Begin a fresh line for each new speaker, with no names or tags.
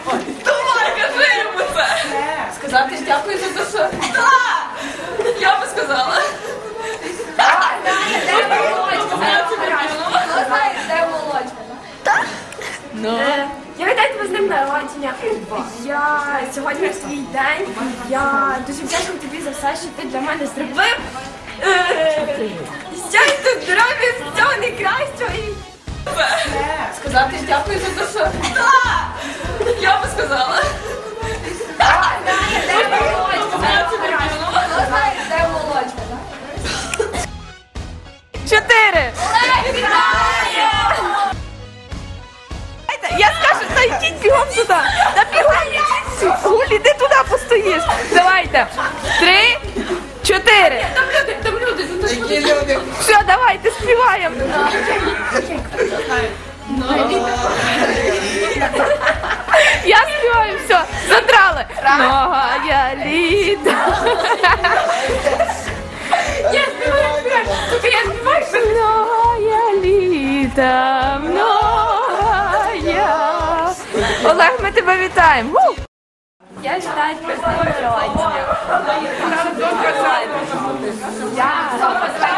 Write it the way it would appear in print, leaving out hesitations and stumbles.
Давай, кажи йому це! Сказати ж дякую за те, що... Так! Я би сказала.
Де молочка?
Я вітаю тебе з днем народження. Сьогодні твій день. Я дуже вдячна тобі за все, що ти для мене зробив. Щастя, здоров'я, всього найкращого і...
Сказати ж дякую за те, що... Так! Я би сказала.
Де молочка?
4. Я скажу, та йдіть бігом туди. Та бігом йдіть. Гуль, іди туди постоїш. Давайте. 3, 4.
Там люди,
Все, давайте співаємо. Я співаю, все, задрали. Многая літа. Я співаю. Тільки я співаю. Многая літа, многая. Олег, ми тебе вітаємо. Я вітаю тебе з днем народження. Я